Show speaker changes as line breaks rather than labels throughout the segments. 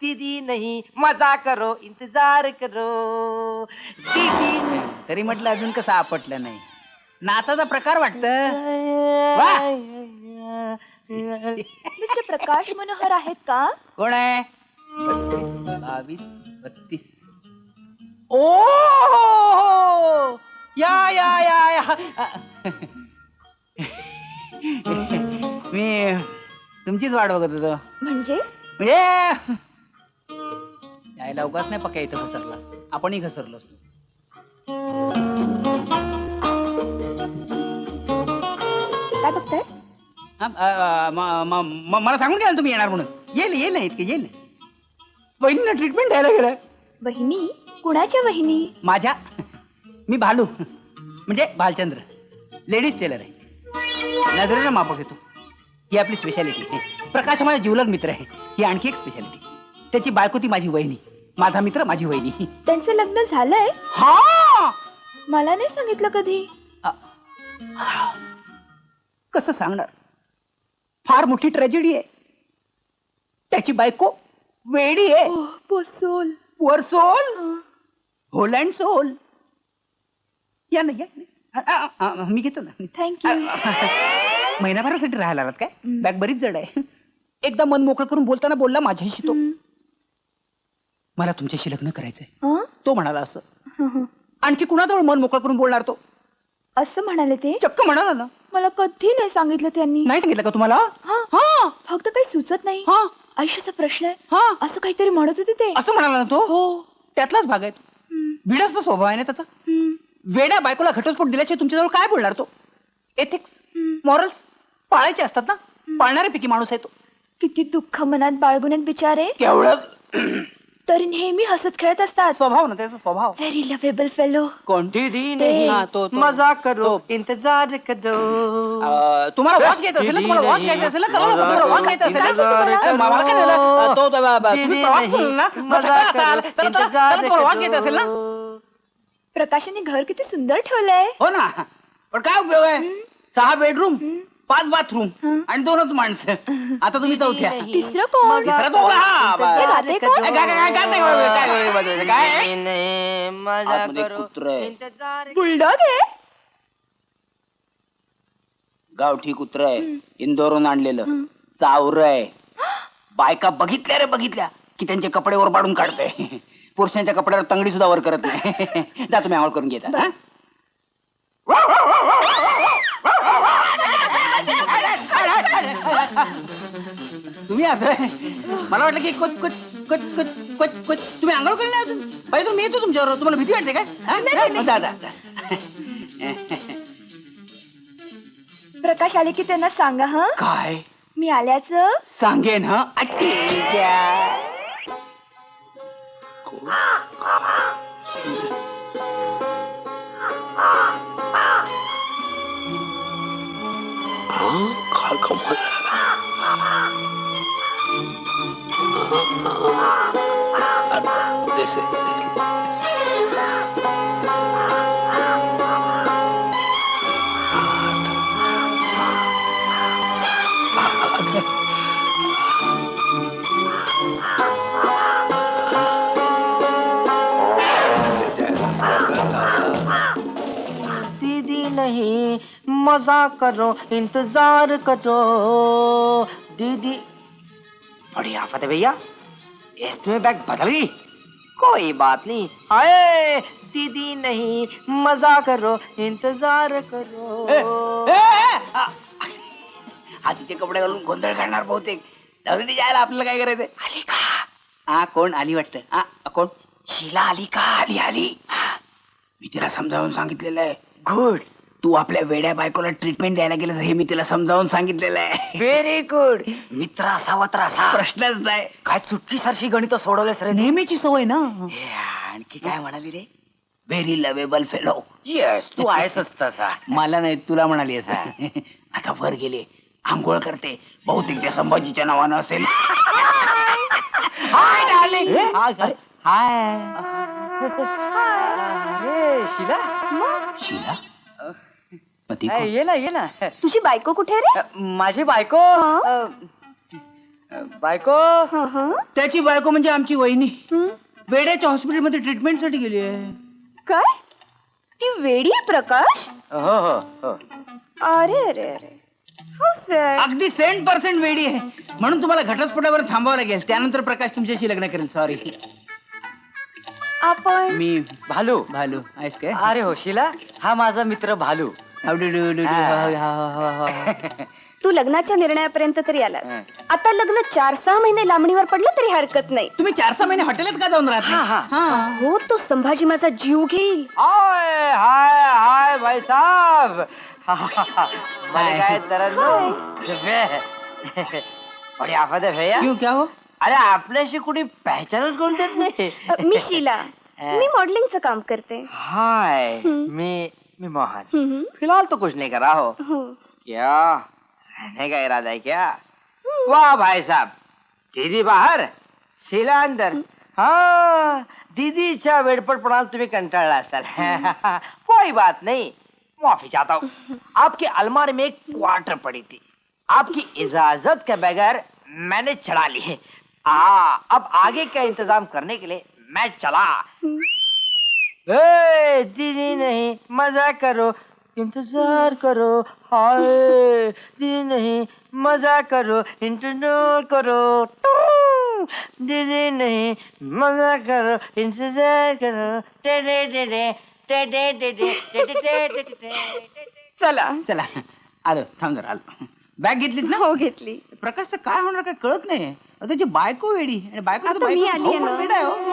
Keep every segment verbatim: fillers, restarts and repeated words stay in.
दीदी नहीं मजा करो इंतजार करो दीदी.
तरी म्हटलं अजून कसं आपटलं नाही. नाचाचा प्रकार वाटत.
मिस्टर प्रकाश मनोहर आहेत का?
कोण आहे? बावीस बत्तीस. ओ या या या या मी तुमचीच वाट बघत होतो.
म्हणजे
म्हणजे यायला अवकाश नाही पक्का इथं घसरला. आपणही घसरलो असतो.
काय बघताय?
हा, अ, म- म- म- मला सांगून घ्याल तुम्ही येणार म्हणून. येईल येईल नाही इतके येईल. बहिणीला ट्रीटमेंट द्यायला गेलं.
वहिनी? कुणाच्या वहिनी?
माझ्या. मी भालू म्हणजे भालचंद्र. लेडीज टेलर आहे. नजरेनं मापक घेतो. ही आपली स्पेशालिटी. प्रकाश माझा जिवलग मित्र आहे. ही आणखी एक स्पेशालिटी. त्याची बायको ती माझी वहिनी. माझा मित्र माझी वहिनी.
त्यांचं लग्न झालंय?
हा
मला नाही सांगितलं कधी.
अ, कसं सांगणार. फार मोठी ट्रॅजेडी आहे. त्याची बायको वेडी आहे.
ओह, पोसोल.
वर सोल होल अँड सोल. या ना या ना. अ, अ, अ, मी घेतो ना.
थँक्यू.
महिनाभरासाठी राहायला आलात काय? बॅग बरीच जड आहे. एकदा मन मोकळं करून बोलताना बोलला माझ्याशी तो. मला तुमच्याशी लग्न करायचंय. तो म्हणाला असं. आणखी कुणाजवळ मन मोकळं करून बोलणार तो?
असं म्हणाले ते?
चक्क म्हणाला ना.
मला कधी नाही सांगितलं त्यांनी.
नाही सांगितलं का तुम्हाला?
हा.
हा
फक्त काही सुचत नाही.
हा
आयुष्याचा प्रश्न आहे
हा
असं काहीतरी म्हणत होते ते.
असं म्हणाला ना तो.
हो.
त्यातलाच भाग आहे तो. भिडस्त स्वभाव आहे ना त्याचा. वेड्या बायकोला घटस्फोट दिल्याशिवाय तुमच्याजवळ काय बोलणार तो? एथिक्स मॉरल्स पाळायचे असतात ना. पाळणाऱ्यापैकी माणूस आहे तो.
किती दुःख मनात बाळगुण्यात बिचारे.
केवढं
तरी नेहमी हसत खेळत असतात.
स्वभाव ना त्याचा स्वभाव.
Very lovable fellow.
कोण?
दीदी
ते-
नहीं
हा, तो- तो.
मजा करो इंतजार करो.
अ, तुम्हाला वॉच घ्यायचं असेल ना. तुम्हाला वॉच घ्यायचं असेल ना. करा ना. तुम्हाला वॉच घ्यायचं असेल ना. तुम्हाला- मला काय झालं? अ, तो- तो- ब- ब- तुम्ही प्रवास करू ना. मग
मजा
चला, चला,
करो
चला, चला, चला, तुम्हाला वॉच घ्यायचं असेल ना.
प्रकाशाने घर किती सुंदर ठेवलंय.
हो ना. पण काय उपयोग आहे? सहा बेडरूम पाच बाथरूम आणि दोनच माणसं. आता तुम्ही चौथ्या.
तिसरं कोण?
तिसरा तो हा, बा-
हे गाते कोण?
काय- काय- काय- काय- काय- काय- काय- काय- काय आहे?
नहीं मजा
आतमध्ये
करो
कुत्रं आहे.
इंतजार.
बुलडॉग आहे.
गावठी कुत्र आहे. इंदोरून आणलेलं. चावर आहे. बायका बघितल्या रे बघितल्या की त्यांचे कपडे वर पाडून काढते. पुरुषांच्या कपड्यावर तंगडी सुद्धा वर करत नाही. जा तुम्ही आंघोळ करून घेता. हा? तुम्ही असं मला वाटलं की कुच कुच कुच कुच कुच कुच तुम्ही आंघोळ केली अजून. पाहिजे मी येतो तुमच्यावर. तुम्हाला भीती वाटते काय? हा? जा, जा, जा.
प्रकाश आले की त्यांना सांगा हा.
काय
मी आल्याचं.
सांगेन हा. ठीक आहे.
काय कमाल.
दीदी नहीं मजा करो इंतजार करो दीदी.
बड़ी आफत है भैया. इसमें बैग बदल गई.
कोई बात नहीं. हाय दीदी नहीं मजा करो इंतजार करो.
ए, ए, ए, आ, हातीचे कपडे घालून गोंधळ घालणार बहुतेक. दगडी जायला आपल्याला काय करायचंय? आली का? हा कोण आली वाटतं. हा कोण? शीला आली का? आली आली. मी तिला समजावून सांगितलेलं आहे. गुड. तू आपल्या वेड्या बायकोला ट्रीटमेंट द्यायला गेलं हे मी तिला समजावून सांगितलेलं आहे.
Very good.
मित्र असावा तर असा प्रश्नच नाही. काय चुटकी सारखी गणित सोडवलेस रे. नेहमीची सवय ना. आणखी काय म्हणाली रे? Very lovable fellow. येस तू आहेसच तसा. मला नाही तुला म्हणाली असा. आता वर गेले आंघोळ करते. बहुतेक त्या संभाजीच्या नावानं असेल. Hi darling. हाय.
अरे शीला.
शीला
ये ना ये ना.
तुझी बायको कुठे रे?
माझी बायको.
हा?
अ, बायको
हं, हं.
त्याची बायको म्हणजे आमची वहिनी
हं.
वेड्याच्या हॉस्पिटलमध्ये ट्रीटमेंटसाठी गेली आहे.
काय ती वेडी आहे प्रकाश?
हो हो हो
अरे अरे अरे हो सर.
अगदी सेंट पर्सेंट वेडी आहे म्हणून तुम्हाला घटस्फोटावर थांबावं लागेल. त्यानंतर प्रकाश तुमच्याशी लग्न करेल. सॉरी.
आपण
मी
भालू
भालू आहेस काय?
अरे हो शिला, हा माझा मित्र भालू.
How do you do?
हा.
तू लग्नाच्या निर्णयापर्यंत तरी आलास.
हं.
आता लग्न चार सहा महिने लांबणीवर पडलं तरी हरकत नाही.
तुम्ही चार सहा महिने हॉटेलात का जाऊन
हा, हा.
राहता?
हो तो संभाजी माझा जीव घेईल.
हाय हाय हाय भाई साहब. मैंने कहा तरन्नुम बड़ी आफत है भैया.
क्यों क्या हो?
अरे आपल्याशी कुणी पहचानच करून देत नाही.
अ, मी शीला. मी मॉडेलिंगचं काम करते.
हाय
हम्म.
मी मी मोहन.
हम्म,
फिलहाल तो कुछ नहीं कर रहा हो.
हो.
क्या रहने का इरादा है क्या? वाह भाई साहब, दीदी बाहर शीला अंदर. हाँ दीदीच्या वेडपटपणात तुम्ही कंटाळला असाल. कोई बात नहीं, माफी चाहता हूँ. आपकी अलमारी में एक क्वार्टर पड़ी थी, आपकी इजाजत के बगैर मैंने चढ़ा ली है. हाँ अब आगे का इंतजाम करने के लिए मैं चला. ए, दीदी नहीं मजा करो, इंतजार करो. हाय दीदी नहीं मजा करो, इंतजार करो. दीदी नहीं मजा करो, इंतजार करो. टे टे टे टे टे टे टे टे टे टे टे टे.
चला.
चला आलो. थांब जरा आलो. बॅग घेतलीत ना?
हो घेतली.
प्रकाशचं काय होणार काय कळत नाही. अहो, त्याची बायको वेडी आणि बायको
आता मी आली आहे ना.
वेडा आहे हो.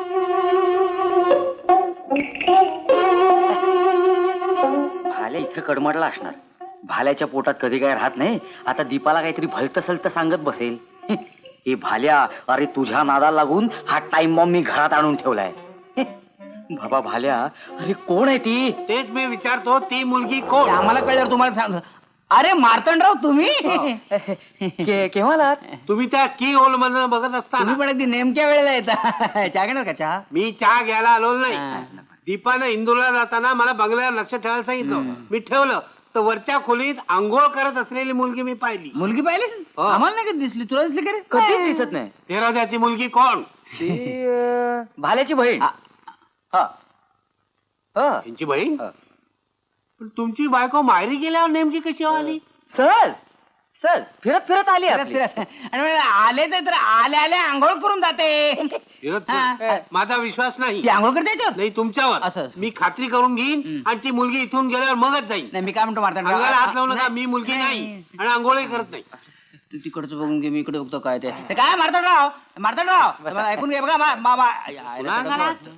भाल्या इथं कडमडला असणार. भाल्याच्या पोटात कधी काय राहत नाही. आता दीपाला काहीतरी भलत सलत सांगत बसेल. हे भाल्या, अरे तुझ्या नादाला लागून हा टाइम बॉम्ब मी घरात आणून ठेवलाय. बाबा भाल्या, अरे कोण आहे ती?
तेच मी विचारतो, ती मुलगी कोण?
आम्हाला कळल्यावर तुम्हाला सांग. अरे मार्तंडराव तुम्ही
के- केव्हा आलात?
तुम्ही त्या की होल मधून बघत
तुम्ही
असताना
पण अगदी नेमक्या वेळेला येता. चहा घेणार का चहा?
मी चहा घ्यायला आलो
हा.
नाही. दीपानं इंदूरला जाताना मला बंगल्यावर लक्ष ठेवायला सांगितलं. मी ठेवलं तर वरच्या खोलीत आंघोळ करत असलेली मुलगी मी पाहिली.
मुलगी पाहिली?
हो.
आम्हाला नाही कधी दिसली. तुला दिसली का रे?
कधीच दिसत नाही.
तेरा त्याची मुलगी कोण?
ती अं, भाल्याची बहीण.
हा.
हा. हा.
त्यांची बहीण?
हा.
पण तुमची बायको माहेरी गेल्यावर नेमकी कशी आली?
सहज सहज फिरत फिरत आली
फिरत-
आपली.
फिरत. आणि म्हणे, आले ते तर आले आले आंघोळ करून जाते.
फिरत
हा.
फिरत. माझा विश्वास नाही.
ती आंघोळ करते याच्यावर?
नाही तुमच्यावर.
असं.
मी खात्री करून घेईन
हम्म.
आणि ती मुलगी इथून गेल्यावर मगच जाईल.
नाही मी काय म्हणतो मार्तंडराव,
अंगाला हात लावू नका.
नाही.
मी मुलगी नाही आणि आंघोळही करत नाही.
तू तिकडचं बघून घे, मी इकडे बघतो काय ते. ते काय मार्तंडराव, मार्तंडराव मला ऐकून घे बघा. मा- मा- मा-
पुन्हा घरात?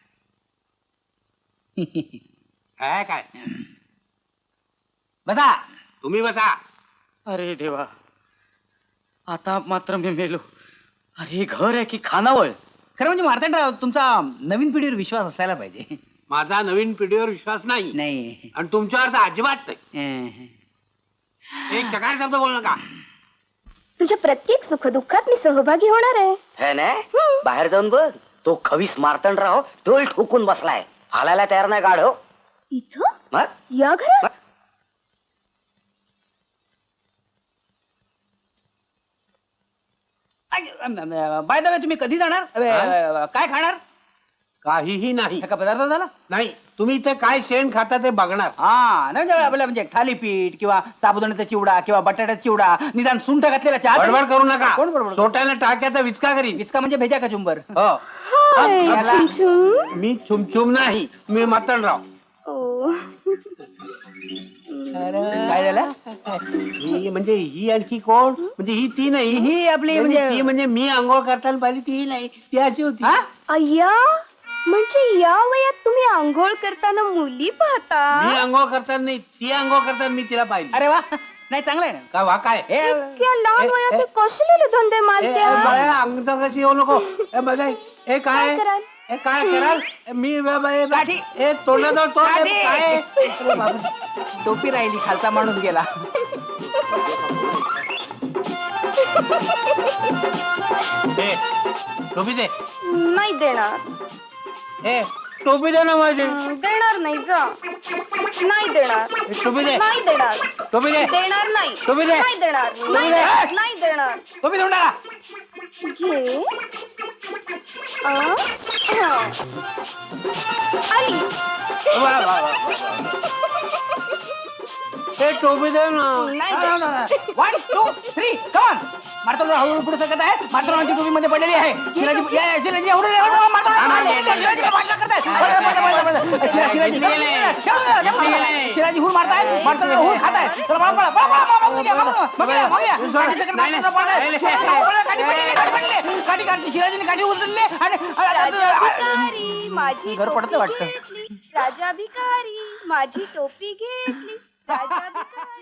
काय काय
बसा.
तुम्ही बसा.
अरे देवा, आता मात्र मी मेलो. अरे घर आहे की खानावळ?
खरं म्हणजे मार्तंडराव, तुमचा नवीन पिढीवर विश्वास असायला पाहिजे.
माझा नवीन पिढीवर विश्वास नाही
नाही.
आणि तुमच्यावर तर अजिबात नाही.
अं.
एक चकार शब्द बोल नका.
तुझ्या प्रत्येक सुखदुःखात मी सहभागी होणार आहे.
है ना? बाहेर जाऊन बघ. तो खवीस मार्तंडराव डोल ठोकून बसलाय. हालायला तयार नाही गाढव.
इथं
मग?
या घरात?
बाय द वे तुम्ही कधी जाणार? अ, काय खाणार?
काहीही नाही.
का पदार्थ झाला?
नाही, तुम्ही इथे काय शेण खाता ते बघणार.
हा नाही म्हणजे आपलं म्हणजे थालीपीठ किंवा साबुदाण्याचा चिवडा किंवा बटाट्याचा चिवडा, निदान सुंठ घातलेला चहा.
बडबड करू नका.
कोण बडबड?
सोट्याने टाक्याचा विचका करीन.
इतका म्हणजे भेजा का चुंबर?
हो.
हाय,
याला-
छुमछुम.
मी छुमछुम नाही, मी मतनराव.
ओ.
काय झालं?
ही म्हणजे ही आणखी कोण? म्हणजे ही ती नाही.
ही आपली
म्हणजे
म्हणजे
ती म्हणजे मी आंघोळ करताना पाहिली ती नाही, ती अशी होती.
हा?
अय्या, म्हणजे या वयात तुम्ही आंघोळ करताना मुली
मी
पाहता?
आंघोळ करताना नाही, ती आंघोळ करताना मी तिला पाहिली.
अरे वा, नाही चांगलं आहे ना.
का वा काय?
हे
इतक्या लहान
ए-
वयात
ए-
हे कसलेले धंदे
ए- ए,
मारत्या?
बाया, अंगठा कशी येऊ नको. ए बघा, हे काय?
काय कराल?
हे काय कराल? मी बा- बा- बा-
काठी.
हे तोंडाजवळ तोंड आहे.
काठी.
काय? अरे बापरे.
टोपी राहिली, खालचा माणूस गेला.
हे, टोपी दे.
नाही देणार.
हे, टोपी दे ना माझी
हं, देणार नाही जा नाही देणार
टोपी दे
नाही देणार
टोपी दे
देणार नाही
टोपी दे.
नाही देणार नाही
दे.
देणार नाही देणार
टोपी देऊन टाका
घे आ, हा. आली
वा, वा, वा, वा. हे टोपी दे ना
नाही देणार.
वन टू थ्री कॉन मार्तोला हळूहळू पुढे सरकत आहे मार्तोलांची टोपी मध्ये पडलेली आहे शिलाजी या, या, शिलाजी एवढं एवढं मार्तोला शिलाजीला वाटलं करताय शिलाजी हुल मारताय मार्तोला हुल खाताय चला पळा पळा पळा पळा मागून घ्या मागून घ्या गाडी काढली शिलाजीने गाडी उचलली आणि
राजाभिकारी माझी
घर पडतं
टोपी
वाटतं.
घेतली. राजाभिकारी माझी टोपी घेतली राजाभिकारी